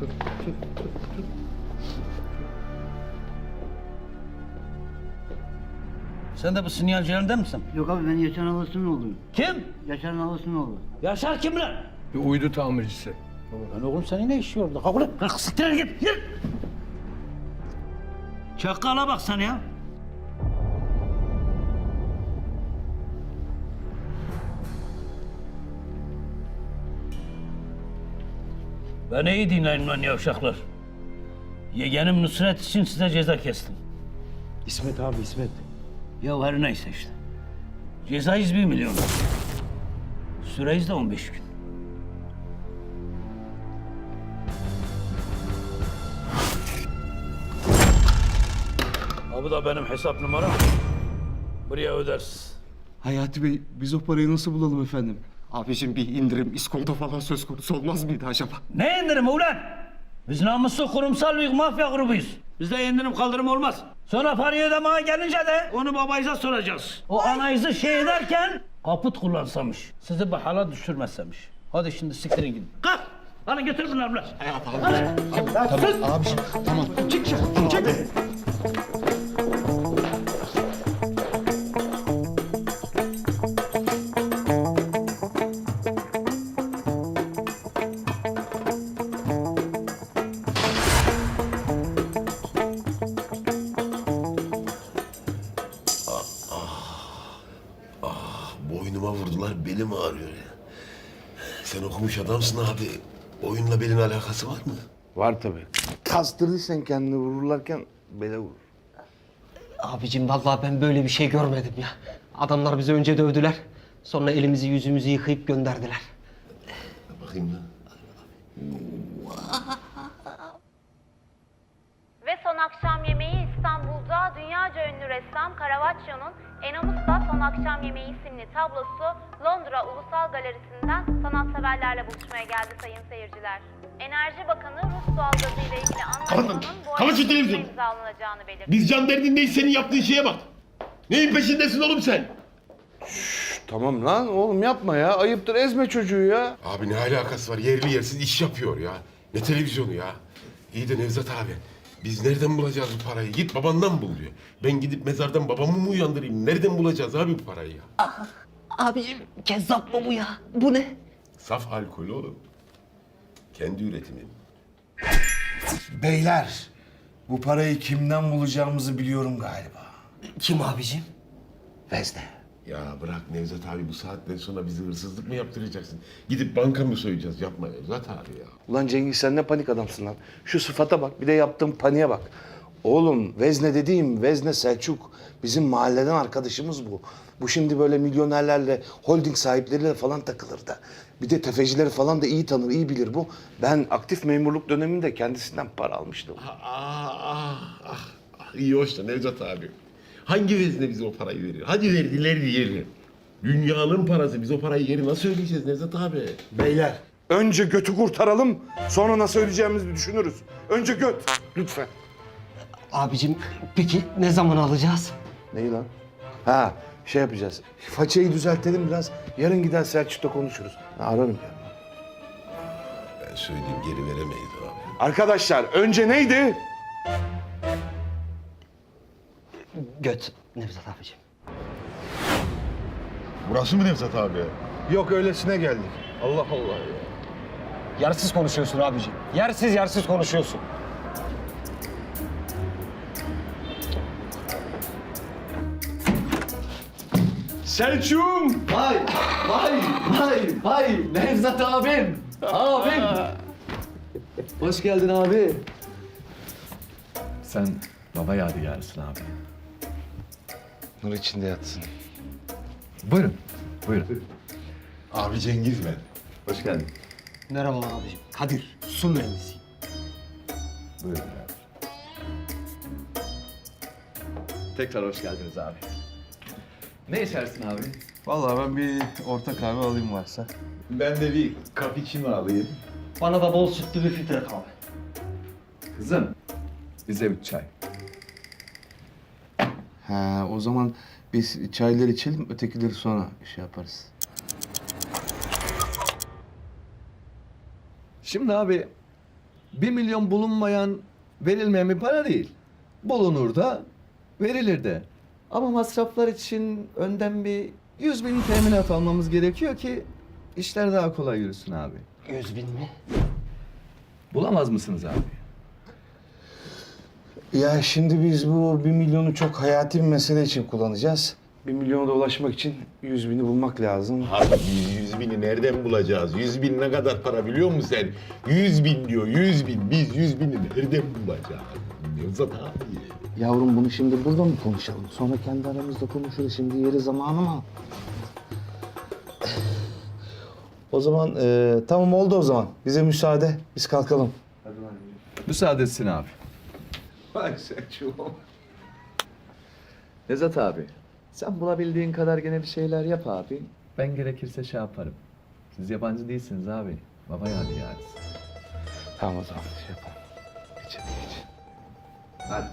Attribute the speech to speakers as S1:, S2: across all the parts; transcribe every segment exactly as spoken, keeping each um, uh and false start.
S1: Sen de bu sinyalcilerinden misin?
S2: Yok abi ben Yaşar Nalısı'nın oğluyum.
S1: Kim?
S2: Yaşar Nalısı'nın oğlu.
S1: Yaşar kim lan?
S3: Bir uydu tamircisi.
S1: Lan oğlum senin ne işi orada? Kalk ulan. Kalk siktir git. Yürü. Çakala bak sen ya. Beni iyi dinleyin lan yavşaklar. Yeğenim Nusret için size ceza kestim.
S4: İsmet abi İsmet.
S1: Ya her neyse işte. Cezayız bir milyon. Süreyiz de on beş gün. Ha bu da benim hesap numaram. Buraya ödersiz.
S4: Hayati Bey biz o parayı nasıl bulalım efendim?
S5: Abicim bir indirim, iskonto falan söz konusu olmaz mıydı acaba?
S1: Ne indirimi ulan? Biz namuslu kurumsal bir mafya grubuyuz. Bizde indirim kaldırım olmaz. Sonra parayı ödemeye gelince de onu babayıza soracağız. O anayızı şey ederken kaput kullansamış. Sizi bu hala düşürmezsemiş. Hadi şimdi siktirin gidin. Kalk! Hadi götür bunları ulan.
S5: Abiciğim tamam. Çık çık çık.
S6: Boynuma vurdular, belim ağrıyor ya. Sen okumuş adamsın abi. Oyunla belin alakası var mı?
S3: Var tabii. Kastırdıysan kendini vururlarken bele vurur.
S7: Abicim vallahi ben böyle bir şey görmedim ya. Adamlar bizi önce dövdüler. Sonra elimizi yüzümüzü yıkayıp gönderdiler.
S6: Bakayım lan.
S8: Ve son akşam yemeği İstanbul'da dünyaca ünlü ressam Caravaggio'nun Enamus'ta Son Akşam Yemeği isimli tablosu Londra Ulusal Galerisi'nden sanatseverlerle buluşmaya geldi sayın seyirciler. Enerji Bakanı Rus doğalgazı ile ilgili anlaşmanın bu
S6: kapat şu
S8: ay
S6: televizyonu.
S8: imzalanacağını belirtti.
S6: Biz can derdindeyiz, senin yaptığın şeye bak. Neyin peşindesin oğlum sen?
S3: Tamam lan oğlum yapma ya. Ayıptır ezme çocuğu ya.
S6: Abi ne alakası var? Yerli yersiz iş yapıyor ya. Ne televizyonu ya? İyi de Nevzat abi, biz nereden bulacağız bu parayı? Git babandan bul diyor. Ben gidip mezardan babamı mı uyandırayım? Nereden bulacağız abi bu parayı ya?
S7: Abicim kezzap mı bu ya? Bu ne?
S6: Saf alkol oğlum. Kendi üretimim.
S9: Beyler, bu parayı kimden bulacağımızı biliyorum galiba.
S7: Kim abicim?
S9: Vezne.
S6: Ya bırak Nevzat abi, bu saatten sonra bizi hırsızlık mı yaptıracaksın? Gidip banka mı soyacağız? Yapma Nevzat abi ya.
S3: Ulan Cengiz sen ne panik adamsın lan. Şu sıfata bak bir de yaptığın paniğe bak. Oğlum Vezne dediğim Vezne Selçuk. Bizim mahalleden arkadaşımız bu. Bu şimdi böyle milyonerlerle, holding sahipleriyle falan takılır da. Bir de tefecileri falan da iyi tanır, iyi bilir bu. Ben aktif memurluk döneminde kendisinden para almıştım.
S6: Ah, ah, ah, ah. İyi hoş da Nevzat abi. Hangi vezne bize o parayı veriyor? Hadi verdiler diyelim. Dünyanın parası. Biz o parayı geri nasıl ödeyeceğiz Nevzat abi?
S3: Beyler, önce götü kurtaralım, sonra nasıl ödeyeceğimizi düşünürüz. Önce göt, lütfen.
S7: Abicim peki ne zaman alacağız?
S3: Neyi lan? Ha, şey yapacağız. Façayı düzeltelim biraz. Yarın gider Selçuk'ta konuşuruz. Ha, ararım ya.
S6: Ben söyleyeyim, geri veremeyiz abi.
S3: Arkadaşlar, önce neydi?
S7: Göt Nevzat abicim.
S6: Burası mı Nevzat abi?
S3: Yok, öylesine geldik. Allah Allah ya.
S4: Yersiz konuşuyorsun abicim. Yersiz yersiz konuşuyorsun.
S3: Selçuk'um!
S7: Vay vay vay vay Nevzat abim. Abim. Hoş geldin abi.
S4: Sen baba yadigarısın abi.
S3: Nur içinde yatsın.
S4: Buyurun. Buyurun.
S6: Abi Cengiz ben.
S4: Hoş geldin.
S7: Merhaba abicim. Kadir. Su mühendisiyim.
S4: Buyurun abi. Tekrar hoş geldiniz abi. Ne içersin abi?
S9: Vallahi ben bir orta kahve alayım varsa.
S6: Ben de bir cappuccino alayım.
S7: Bana da bol sütlü bir filtre kahve.
S4: Kızım, bize bir çay.
S9: Ha, o zaman biz çayları içelim, ötekileri sonra şey yaparız.
S4: Şimdi abi,
S10: Bir milyon bulunmayan, verilmeyen bir para değil. Bulunur da, verilir de. Ama masraflar için önden bir yüz bin teminat almamız gerekiyor ki işler daha kolay yürüsün abi.
S7: Yüz bin mi?
S10: Bulamaz mısınız abi?
S3: Ya şimdi biz bu bir milyonu çok hayati bir mesele için kullanacağız. Bir milyona da ulaşmak için yüz bini bulmak lazım.
S11: Abi biz yüz bini nereden bulacağız? Yüz bin ne kadar para biliyor musun sen? Yüz bin diyor, yüz bin. Biz yüz bini nereden bulacağız? Nevzat abi.
S3: Yavrum bunu şimdi burada mı konuşalım? Sonra kendi aramızda konuşuruz. Şimdi yeri zamanı mı? O zaman e, tamam oldu o zaman. Bize müsaade. Biz kalkalım.
S10: Müsaade etsin abi.
S3: Vay Selçuk'um.
S10: Nevzat abi, sen bulabildiğin kadar gene bir şeyler yap abi. Ben gerekirse şey yaparım. Siz yabancı değilsiniz abi. Baba yadigarız.
S3: Tamam o zaman şey yapalım. Geç hadi geç.
S10: Hadi.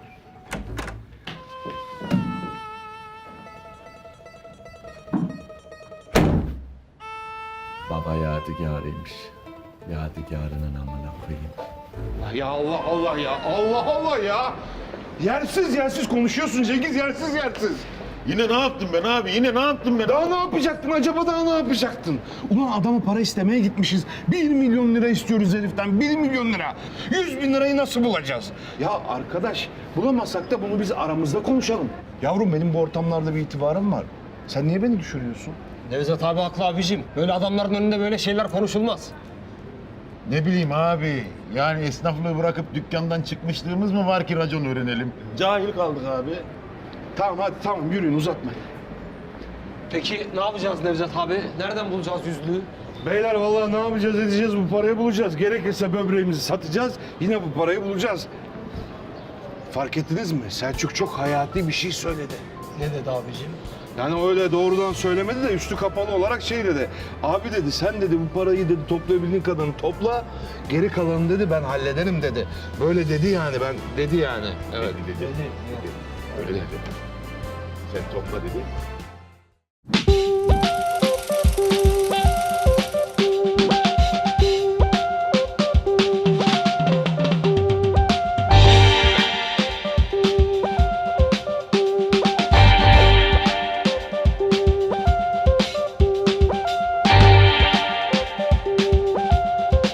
S10: Baba yadigarıymış. Yadigarının amına koyayım.
S6: Ya Allah Allah ya. Allah Allah ya. Yersiz yersiz konuşuyorsun Cengiz. Yersiz yersiz.
S11: Yine ne yaptım ben abi? Yine ne yaptım ben?
S3: Daha ne yapacaktın acaba daha ne yapacaktın? Ulan adamı para istemeye gitmişiz. Bir milyon lira istiyoruz heriften. Bir milyon lira. Yüz bin lirayı nasıl bulacağız? Ya arkadaş bulamazsak da bunu biz aramızda konuşalım. Yavrum benim bu ortamlarda bir itibarım var. Sen niye beni düşürüyorsun?
S7: Nevzat abi haklı abicim. Böyle adamların önünde böyle şeyler konuşulmaz.
S11: Ne bileyim abi. Yani esnaflığı bırakıp dükkandan çıkmışlığımız mı var ki racon öğrenelim? Cahil kaldık abi.
S3: Tamam hadi tamam yürüyün uzatmayın.
S7: Peki ne yapacağız Nevzat abi? Nereden bulacağız yüzlüğü?
S3: Beyler vallahi ne yapacağız edeceğiz bu parayı bulacağız. Gerekirse böbreğimizi satacağız. Yine bu parayı bulacağız. Fark ettiniz mi? Selçuk çok hayati bir şey söyledi.
S7: Ne dedi abicim?
S3: Yani öyle doğrudan söylemedi de üstü kapalı olarak şey dedi. Abi dedi sen dedi bu parayı dedi toplayabildiğin kadarını topla. Geri kalanını dedi ben hallederim dedi. Böyle dedi yani ben dedi yani. Evet.
S11: Dedi, dedi. Öyle dedi. Sen topla dedi.